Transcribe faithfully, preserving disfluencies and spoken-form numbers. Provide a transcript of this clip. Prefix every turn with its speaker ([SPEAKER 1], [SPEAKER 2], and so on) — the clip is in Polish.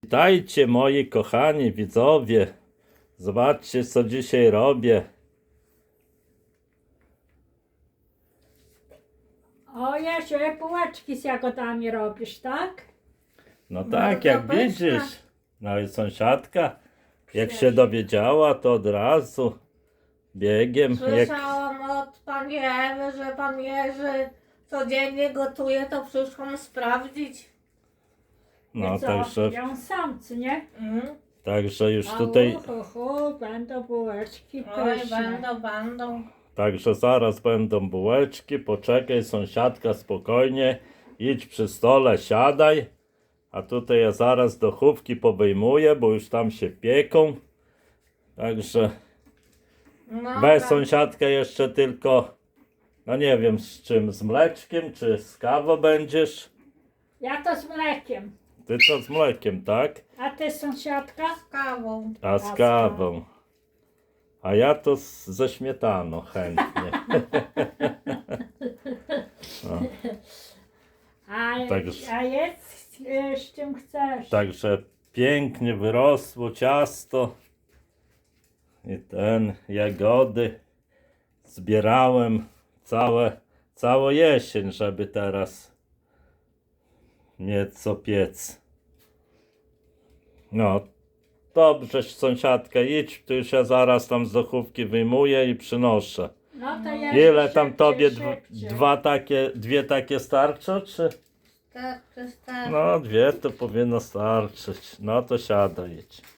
[SPEAKER 1] Witajcie moi kochani widzowie. Zobaczcie co dzisiaj robię.
[SPEAKER 2] O Jasiu, bułeczki z jagodami robisz, tak?
[SPEAKER 1] No
[SPEAKER 3] No,
[SPEAKER 1] tak, jak
[SPEAKER 3] zapewne.
[SPEAKER 1] widzisz. No i sąsiadka, jak się dowiedziała, to od razu biegiem. Jak...
[SPEAKER 3] Słyszałam od pani Ewy, że pan Jerzy codziennie gotuje, to przyszłam sprawdzić.
[SPEAKER 1] No
[SPEAKER 2] I co?
[SPEAKER 1] także,
[SPEAKER 2] Ja sam, co nie?
[SPEAKER 3] Mm.
[SPEAKER 1] także już
[SPEAKER 2] A
[SPEAKER 1] tutaj,
[SPEAKER 2] uhu, hu, będą bułeczki
[SPEAKER 3] Oj,
[SPEAKER 2] pyszne.
[SPEAKER 3] będą, będą.
[SPEAKER 1] także zaraz będą bułeczki. Poczekaj sąsiadka, spokojnie. Idź przy stole, siadaj. A tutaj ja zaraz do chówki powyjmuję, bo już tam się pieką. Także
[SPEAKER 3] No,
[SPEAKER 1] weź
[SPEAKER 3] tak.
[SPEAKER 1] sąsiadkę jeszcze tylko, no nie wiem z czym, z mleczkiem czy z kawą będziesz?
[SPEAKER 2] Ja to z mlekiem.
[SPEAKER 1] Ty to z mlekiem, tak?
[SPEAKER 2] A ty sąsiadka?
[SPEAKER 3] Z kawą.
[SPEAKER 1] A z kawą. A ja to z, ze śmietaną chętnie. No,
[SPEAKER 2] A,
[SPEAKER 1] Także-
[SPEAKER 2] a jest y, z czym chcesz?
[SPEAKER 1] także pięknie wyrosło ciasto. I ten, jagody zbierałem całe, całą jesień, żeby teraz mieć co piec. No, dobrze, sąsiadka, idź, tu już ja zaraz tam z dochówki wyjmuję i przynoszę.
[SPEAKER 2] No to ja
[SPEAKER 1] Ile tam
[SPEAKER 2] szybciej,
[SPEAKER 1] tobie dwa,
[SPEAKER 2] szybciej.
[SPEAKER 1] dwa takie, dwie takie starczą, czy?
[SPEAKER 3] Tak, to jest tak.
[SPEAKER 1] No, dwie to powinno starczyć. No to siadaj, idź.